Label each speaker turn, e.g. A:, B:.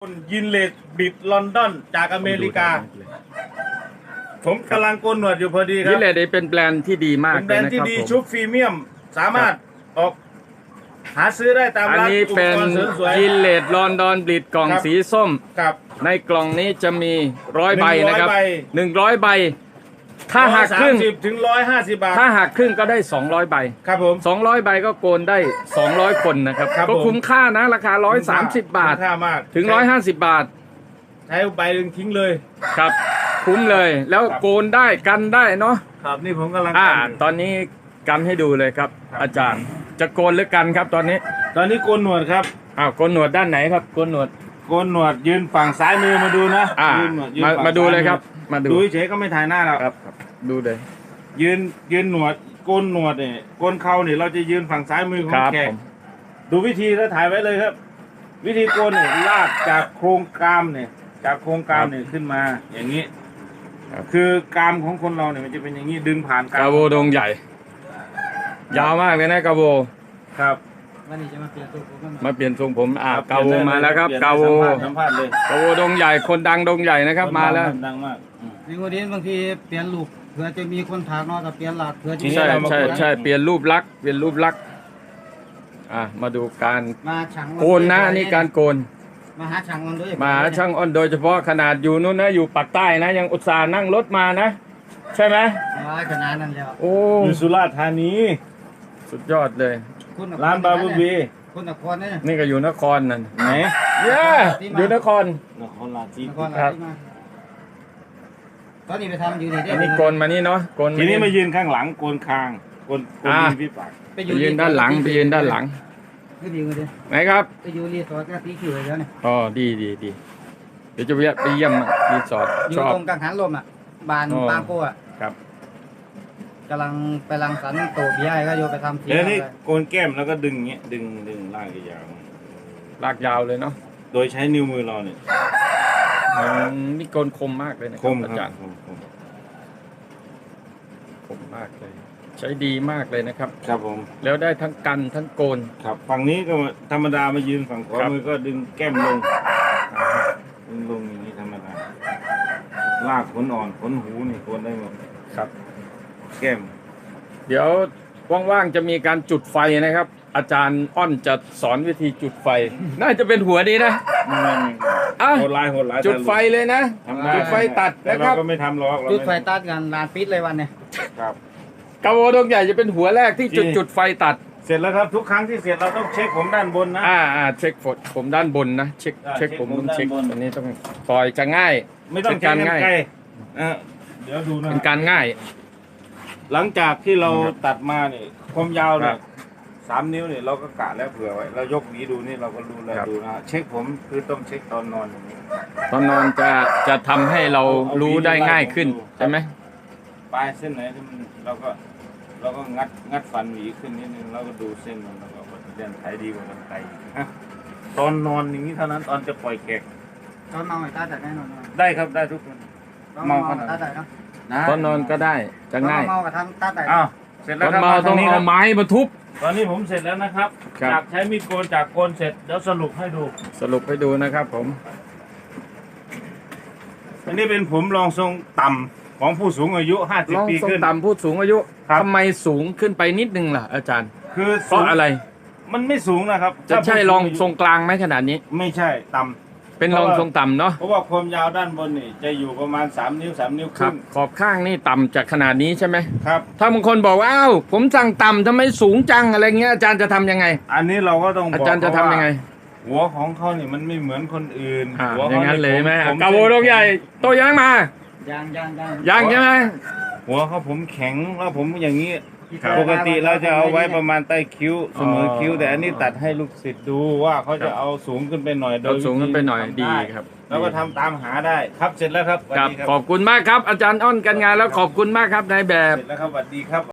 A: ยินเลดบิดลอนดอนจากอเมริกา ผมกำลังโกนหนวดอยู่พอดีครับ
B: ยินเลดเป็นแบรนด์ที่ดีมาก
A: เป็นแบรนด์ที่ดีชุบพรีเมียมสามารถออกหาซื้อได้ตาม
B: อัน
A: ร้าน
B: นี้
A: อุป
B: เป็น
A: กรณ์เสริมสวย
B: ยินเลดลอนดอนบลิดกล่อง
A: ครับ
B: สีส้ม
A: ครับ
B: ในกล่องนี้จะมี100 ใบนะครับ
A: 100
B: 100 ใบ ถ้าหักครึ่ง
A: 130 ถึง 150 บาท
B: ถ้าหักครึ่งก็ได้200 ใบ
A: ครับผม
B: 200 ใบก็โกนได้200 คนนะครับ
A: ครับ
B: ก็
A: ผม
B: คุ้มค่านะราคา130 บาท
A: คุ้มค่ามาก
B: ถึง150 บาท
A: ใช้ใบหนึ่งทิ้งเลย
B: ครับ คุ้มเลย แล้ว
A: ครับ
B: โกนได้กันได้เนาะ
A: ครับนี่ผมกำลัง
B: ตอนนี้กันให้ดูเลยครับ
A: ครับ
B: อาจารย์จะโกนหรือกันครับตอนนี้
A: ตอนนี้โกนหนวดครับ
B: โกนหนวดด้านไหนครับโกนหนวด
A: โกนหนวดยืนฝั่งซ้ายมือมาดูนะยืนหนวดยืนฝั่ง
B: มาดู
A: ซ้
B: เลยครับ มาดู
A: ดูเฉยๆก็ไม่ถ่ายหน้าเรา
B: ครับดูเลย
A: ยืนหนวดโกนหนวดเนี่ยโกนเข่าเนี่ยเราจะยืนฝั่งซ้ายมือขอ
B: ค
A: ง
B: รับ
A: แข
B: ผ
A: ก
B: ม
A: ดูวิธีแล้วถ่ายไว้เลยครับ วิธีโกนเนี่ยลากจากโครงกรามเนี่ยจากโครงกรามเนี่ยขึ้นมาอย่างนี้ คือกรามของคนเราเนี่ยมันจะเป็นอย่างนี้ดึงผ่านกราม
B: กาโบดงใหญ่ ยาวมากเลยนะกาโบ
A: ครับ
C: วันนี้จะมาเปลี่ยนตัวผม
B: มาเปลี่ยนทรงผม
A: ครับ
B: กาโบมาแล้วครับ
A: เปยน
B: กา
A: ได้
B: โบ
A: สัมภาษณ์เลย
B: กาโบดงใหญ่คนดังดงใหญ่นะครับมาแล้ว
A: ดังมาก
C: ในวันนี้บางทีเปลี่ยนลูกเผื่อจะมีคนถากเนาะแต่เปลี่ยนหลักเผื่อจะมี
B: ใช่
A: เรามา
B: ใช่
A: โกน
B: ใช่เปลี่ยนรูปลักษณ์เปลี่ยนรูปลักษณ์มาดูการ
C: มาช่าง
B: โกนนะอันนี่การโกน
C: มาหาช่างมันด้วย
B: มาช่างอ้อนโดยเฉพาะขนาดอยู่นู้นนะอยู่ปากใต้นะยังอุตส่าห์นั่งรถมานะ ใช่ไหม
C: ขนาดนั้นแล้ว
B: โอ้
A: อยู่สุราษฎร์ธานี
B: สุดยอดเลย
A: ร้านบาบูบี
C: คุณนครเนี่ย
B: นี่ก็อยู่นครนั่น
A: ไหน
B: เย้อยู่นคร
A: นครราชสี
C: นคร
B: ครับ
C: ตอนนี้ไปทำอยู่นี่ได้
B: อันนี้โกนมานี่เนาะโกน
A: ทีนี้มายืนข้างหลังโกนคางโกนริมฝีปาก
C: ไป
B: ไปยืนด้านหลังไปยืนด้านหลัง
C: ก็ดีกันเลย
B: ไหนครับ
C: ไปอยู่รีสอร์ทก็ตีคิวเลยแล้วเนี่ย
B: อ๋อดีเดี๋ยวจะไปเยี่ยมรีสอร์ท
C: อยู่
B: ชอบ
C: ตรงกังหันลมอ่ะบาน
B: อ๋อ
C: บางโก้อ่ะ
B: ครับ
C: กำลังไปรังสรรค์โตเบียร์ก็โยไปทำที
A: เดี๋ยวนี้โกนแก้มแล้วก็ดึงเงี้ยดึงลากยาว
B: ลากยาวเลยเนาะ
A: โดยใช้นิ้วมือเราเนี่ย
B: นี่โกนคมมากเลยนะ
A: คม
B: อา
A: ค
B: จา
A: รั
B: ร
A: บ
B: ย์
A: คม
B: คมมากเลย ใช้ดีมากเลยนะครับ
A: ครับผม
B: แล้วได้ทั้งกันทั้งโกน
A: ครับฝั่งนี้ก็ธรรมดามายืนฝั่งขวา
B: ครับ
A: มือก็ดึงแก้มลงดึงลงอย่างนี้ธรรมดาลากขนอ่อนขนหูนี่โกนได้หมด
B: ครับ
A: แก้ม
B: เดี๋ยวว่างๆจะมีการจุดไฟนะครับ อาจารย์อ้อนจะสอนวิธีจุดไฟ น่าจะเป็นหัวดีนะ อ่ะ
A: โหดร้ายโหดร้าย
B: จุดไฟเลยนะ
A: ทำได้
B: จุดไฟตัด
A: แต่
B: นะค
A: เรา
B: รับ
A: ก็ไม่ทำหรอกเรา
C: จุด
A: ม่
C: ไฟตัดกันลานปิดเลยวันเนี่ย
A: ครับ
B: กาโบดงใหญ่จะเป็นหัวแรกที่จุด
A: จริง
B: จุดไฟตัด
A: เสร็จแล้วครับทุกครั้งที่เสร็จเราต้องเช็คผมด้านบนนะ
B: เช็คผมด้านบนนะเช็ค
A: เช็ค
B: ผม
A: ผม
B: ต้องเช็ค
A: ด้านบน
B: อันนี้ต้องปล่อยจะง่าย
A: ไม่ต้อง
B: เป็นการ
A: ใช้
B: ง่าย
A: ไกลเดี๋ยวดูนะ
B: เป็นการง่าย
A: หลังจากที่เรา
B: ครับ
A: ตัดมาเนี่ยความยาวเนี่
B: ครั
A: ย
B: บ
A: 3 นิ้วเนี่ยเราก็กะแล้วเผื่อไว้เรายกหวีดูนี่เราก็รู้แล้ว
B: ครับ
A: ดูนะเช็คผมคือต้องเช็คตอนนอนอย่างนี้
B: ตอนนอนจะทำให้เรา
A: เอา
B: รู้ได้ง่ายขึ้น
A: ดู
B: ใช่ไหม
A: ปลายเส้นไหนที่มันเราก็งัดฟันหวีขึ้นนิดนึงแล้วก็ดูเส้นมันแล้วก็เดินไถดีกว่ากันไกลอีกนะตอนนอนอย่างนี้เท่านั้นตอนจะปล่อยแขก
C: ตอนเมาไอ้ตาตัดแน่นอน
A: ได้ครับได้ทุกคน
C: เมากับตาตัดเนาะ
B: ตอนนอนก็ได้จะง่าย
C: เมากับทำตาตัด
A: อ้าวเสร็จ
B: ต
A: แล้ว
B: อน
A: ครับ
B: เมาต้อง
A: ทนี้ค
B: เอา
A: รับ
B: ไม้มาทุบ
A: ตอนนี้ผมเสร็จแล้วนะครับ
B: ครับ
A: จากใช้มีดโกนจากโกนเสร็จเดี๋ยวสรุปให้ดู
B: สรุปให้ดูนะครับผม
A: อันนี้เป็นผมรองทรงต่ำของผู้สูงอายุ
B: ลอง
A: 50 ปี
B: ทรง
A: ขึ้น
B: ต่ำผู้สูงอายุ
A: ครับ
B: ทำไมสูงขึ้นไปนิดนึงล่ะ อาจารย์
A: คือ
B: เพราะอะไร
A: มันไม่สูงนะครับ
B: จะใช่รองทรงกลางไหมขนาดนี้
A: ไม่ใช่ต่ำ
B: เป็นรองทรงต่ำเนาะ
A: เพราะว่าความยาวด้านบนนี่จะอยู่ประมาณ3 นิ้ว3 นิ้วค
B: ครั
A: รึ่
B: บ
A: ง
B: ขอบข้างนี่ต่ำจากขนาดนี้ใช่ไหม
A: ครับ
B: ถ้าบางคนบอกว่าอ้าวผมสั่งต่ำทำไมสูงจังอะไรเงี้ยอาจารย์จะทำยังไง
A: อันนี้เราก็ต้องบ
B: อา
A: อก
B: จารย์จะทำยังไง
A: หัวของเขาเนี่ยมันไม่เหมือนคนอื่นหัว
B: อ
A: เขา
B: ย่างนั้นเลยไหม
A: ผม
B: กาโบดงใหญ่โตยังมา
C: ยัง
B: ยังใช่ไหม
A: หัวเขาผมแข็งแล้วผมอย่างนี้
B: ครับ
A: ปกติเราจะเอาไว้ประมาณใต้คิ้วเสมอคิ้ว แต่อันนี้ตัดให้ลูกศิษย์ดูว่าเขาจะเอาสูงขึ้นไปหน่อยโด
B: เรา
A: ย
B: สูงขึ้นไปหน่อย
A: วิธี
B: ดี
A: ทำไ
B: ครับ
A: แล้วก็ทำตามหาได้ครับเสร็จแล้วครับสวัส
B: ครับ
A: ดีครับ
B: ขอบคุณมากครับ อาจารย์อ้อนกันงานแล้วขอบคุณมากครับนายแบบ
A: เสร็จแล้วครับสวัสดีครับ